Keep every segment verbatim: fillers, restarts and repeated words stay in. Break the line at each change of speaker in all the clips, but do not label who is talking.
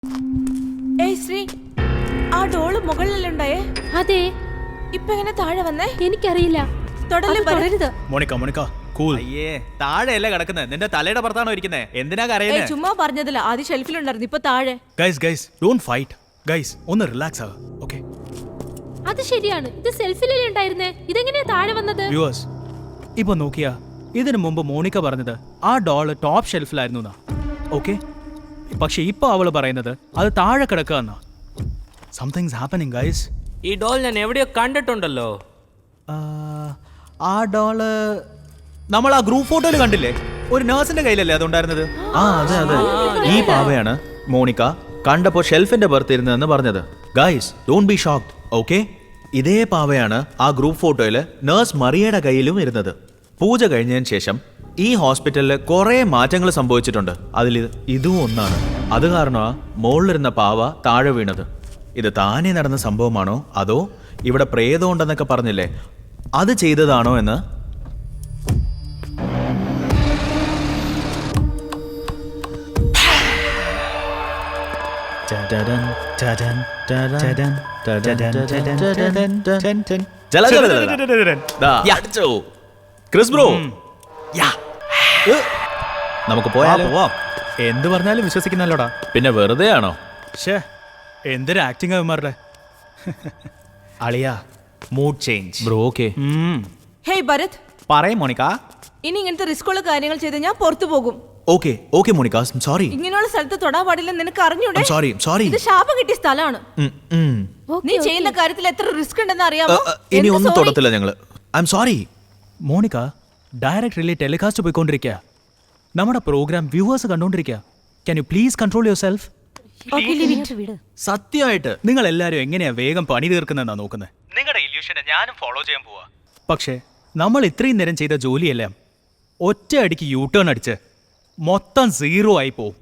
ഏയ് ശ്രീ, ആ ഡോള് മുകളിലുണ്ടായേ?
അതെ.
ഇപ്പൊ എങ്ങനെ താഴെ വന്നേ?
എനിക്കറിയില്ല.
തുടരുത്.
Monica Monica cool.
അയ്യേ, താഴെയല്ല കിടക്കുന്നത്, നിന്റെ തലയുടെ പുറത്താണോ ഇരിക്കുന്നത്? എന്തിനാ കരയുന്നത്?
ചുമ്മാ പറഞ്ഞതില്ല, ആദ്യം ഷെൽഫിലുണ്ടായിരുന്നു, ഇപ്പൊ താഴെ.
Guys guys don't fight. Guys ഒന്ന് റിലാക്സ് ആവുക. ഓക്കേ,
അത് ശരിയാണ്. ഇത് സെൽഫിലല്ലേ ഉണ്ടായിരുന്നേ, ഇതെങ്ങനെയാ താഴെ വന്നത്?
വ്യൂവേഴ്സ്, ഇപ്പൊ നോക്കിയാ ഇതിനു മുമ്പ് മോണിക്ക പറഞ്ഞത് ആ ഡോള് ടോപ്പ് ഷെൽഫിലായിരുന്നു എന്നാ. ഓക്കെ, പക്ഷെ ഇപ്പൊ അവള് പറയുന്നത് അത് താഴെ കിടക്കുക എന്നാ. Somethings happening guys.
ഈ ഡോൾ ഞാൻ എവിടെയോ കണ്ടിട്ടുണ്ടല്ലോ.
ആ ഡോള് നമ്മൾ ആ ഗ്രൂപ്പ് ഫോട്ടോയിൽ കണ്ടില്ലേ? ഒരു നേഴ്സിന്റെ കയ്യിലല്ലേ അതുണ്ടായിരുന്നത്? ആ അതെ അതെ, ഈ പാവയാണ് മോണിക്ക കണ്ടപ്പോ ഷെൽഫിന്റെ പുറത്തിരുന്നതെന്ന് പറഞ്ഞത്. Guys don't be shocked. Okay, ഇതേ പാവയാണ് ആ ഗ്രൂപ്പ് ഫോട്ടോയില് നേഴ്സ് മറിയയുടെ കയ്യിലും ഇരുന്നത്. പൂജ കഴിഞ്ഞതിന് ശേഷം ഈ ഹോസ്പിറ്റലിൽ കുറെ മാറ്റങ്ങൾ സംഭവിച്ചിട്ടുണ്ട്. അതിൽ ഇതും ഒന്നാണ്. അത് കാരണമാ മുകളിലിരുന്ന പാവ താഴെ വീണത്. ഇത് താനേ നടന്ന സംഭവമാണോ അതോ ഇവിടെ പ്രേതം ഉണ്ടെന്നൊക്കെ പറഞ്ഞില്ലേ, അത് ചെയ്തതാണോ എന്ന് ക്രിസ് ബ്രോ, നമുക്ക് പോയാലോ?
എന്ത് പറഞ്ഞാലും വിശ്വസിക്കുന്നല്ലോടാ.
പിന്നെ വെറുതെ ആണോ?
ഷേ, എന്തൊരു ആക്ടിങ് അവന്മാരുടെ.
അളിയാ, mood change bro. Okay,
hey Bharat,
പറയും മോണിക്ക.
ഇനി ഇങ്ങനത്തെ റിസ്കുള്ള കാര്യങ്ങൾ ചെയ്ത് ഞാൻ പുറത്തു പോകും.
Okay okay Monica, sorry.
ഇങ്ങനെയുള്ള സ്ഥലത്ത് തൊടാൻ പാടില്ല, നിനക്ക് അറിഞ്ഞൂടെ?
Sorry sorry.
ഇത് ശാപം കിട്ടിയ സ്ഥലമാണ്. നീ ചെയ്യുന്ന കാര്യത്തിൽ എത്ര റിസ്ക് ഉണ്ടെന്ന് അറിയാമോ?
ഇനി ഒന്നും തൊടത്തില്ല ഞങ്ങള്. I'm sorry.
Monica, directly telecast പോയിക്കൊണ്ടിരിക്കുക. നമ്മുടെ പ്രോഗ്രാം വ്യൂവേഴ്സ് കണ്ടോണ്ടിരിക്കുക. Can you please control yourself?
സത്യമായിട്ട്
നിങ്ങൾ എല്ലാരും എങ്ങനെയാ വേഗം പണി തീർക്കുന്നതെന്നാ നോക്കുന്നത്. നിങ്ങളുടെ ഇല്യൂഷനെ ഞാനും ഫോളോ ചെയ്യാൻ പോവാ. പക്ഷേ നമ്മൾ ഇത്രയും നേരം ചെയ്ത ജോലിയെല്ലാം ഒറ്റ അടിക്ക് യൂ ടേൺ അടിച്ച് മൊത്തം സീറോ ആയി പോവും.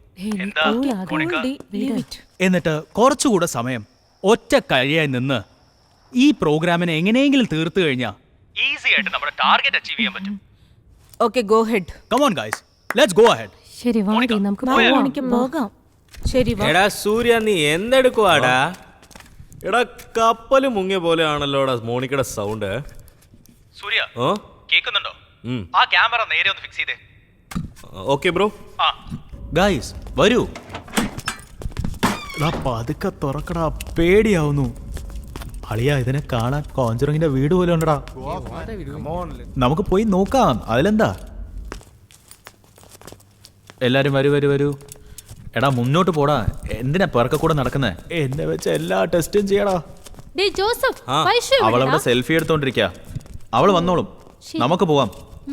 എന്നിട്ട് കുറച്ചുകൂടെ സമയം ഒറ്റ കഴിയായി നിന്ന് ഈ പ്രോഗ്രാമിനെ എങ്ങനെയെങ്കിലും തീർത്തു കഴിഞ്ഞാൽ ഈസി ആയിട്ട് നമ്മുടെ ടാർഗറ്റ് അച്ചീവ് ചെയ്യാൻ പറ്റും.
Okay, go head.
Come on guys, let's go ahead.
ശരി, വാടി നമുക്ക്
പോകാം. ശരി, വാ.
എടാ സൂര്യ, നീ എന്തെടുക്കുവാടാ?
എടാ കപ്പല് മുങ്ങിയ പോലെ ആണല്ലോടാ മോണിക്കയുടെ സൗണ്ട്.
സൂര്യ,
ഓ
കേൾക്കുന്നുണ്ടോ? ആ ക്യാമറ നേരെ ഒന്ന് ഫിക്സ് ചെയ്തേ.
Okay bro.
ഗൈസ് വരൂ.
പതുക്കെ തുറക്കടാ, പേടിയാവുന്നു. അളിയാ, ഇതിനെ കാണാൻ കോഞ്ചറിങ്ങിന്റെ വീട് പോലെ ഉണ്ടടാ. നമുക്ക് പോയി നോക്കാം, അതിലെന്താ.
എല്ലാരും വരൂ വരൂ വരൂ. എടാ മുന്നോട്ട് പോടാ, എന്തിനാ പിറക്ക കൂടെ നടക്കുന്നേ?
എന്നെ വെച്ച് എല്ലാ ടെസ്റ്റും ചെയ്യടാ.
ഡേയ് ജോസഫ്, വൈഷു എവിടെയാ?
അവളവിടെ സെൽഫി എടുത്തോണ്ടിരിക്ക. അവള് വന്നോളും, നമുക്ക് പോവാം.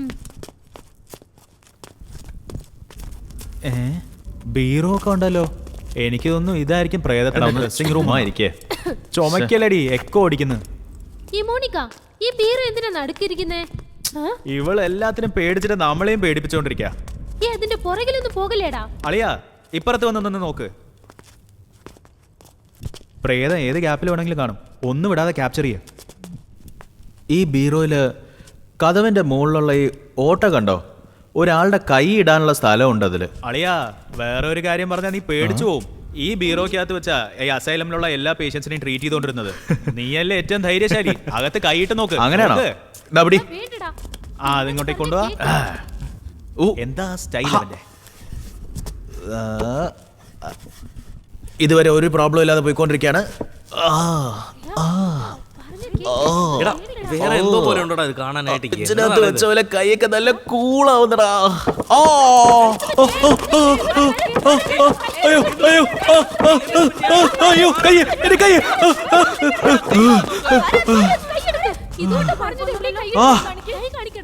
ഏ, ബീറോ ഒക്കെ ഉണ്ടല്ലോ. എനിക്ക് തോന്നുന്നു ഇതായിരിക്കും പ്രേതത്തിന്റെ ഡ്രസ്സിംഗ് റൂം ആയിരിക്കേ. ചുമക്കലടി, എക്കോ ഓടിക്കുന്നു.
ഈ മോണിക്ക, ഈ ബീറോ എന്തിനാ നടുക്കിരിക്കുന്നേ?
ഇവൾ എല്ലാത്തിനും പേടിച്ചിട്ട് നമ്മളെയും പേടിപ്പിച്ചോണ്ടിരിക്ക.
ഈ അതിന്റെ പുറകിലൊന്നും പോകലേടാ.
അളിയാ, ഇപ്പുറത്ത് വന്നൊന്ന് നോക്ക്. പ്രേതം ഏത് ഗ്യാപ്പിൽ വേണമെങ്കിലും കാണും. ഒന്നും വിടാതെ ക്യാപ്ചർ ചെയ്യ.
ഈ ബീറോയില് കതവിന്റെ മുകളിലുള്ള ഈ ഓട്ട കണ്ടോ? ഒരാളുടെ കൈ ഇടാനുള്ള സ്ഥലം ഉണ്ട് അതില്.
അളിയാ, വേറെ ഒരു കാര്യം പറഞ്ഞാൽ നീ പേടിച്ചു പോവും. ഈ ബീറോക്കകത്ത് വെച്ചാ ഈ അസൈലമിലുള്ള എല്ലാ പേഷ്യൻസിനെയും ട്രീറ്റ് ചെയ്തോണ്ടിരുന്നത്. നീയല്ലേ ഏറ്റവും ധൈര്യശാലി. അകത്ത് കൈയിട്ട് നോക്ക്.
അങ്ങനെയാണോ?
വേണ്ടടാ.
ആ, അതിങ്ങോട്ടേക്ക് കൊണ്ടുവാ. എന്താ സ്റ്റൈൽ അവന്റെ.
ഇതുവരെ ഒരു പ്രോബ്ലം ഇല്ലാതെ പോയിക്കൊണ്ടിരിക്കുകയാണ്.
എടാ വേറെ എന്തോ പോലെ ഉണ്ടോടാ ഇത് കാണാനായിട്ട്.
ഇതിനകത്ത് വെച്ച പോലെ കൈയൊക്കെ നല്ല കൂളാവുന്നടാ.
അയ്യോ അയ്യോ അയ്യോ, കൈ, എന്റെ കൈ.
ഇതുകൊണ്ട് പറഞ്ഞത് ഇവിടെ കൈ കാണിക്ക്.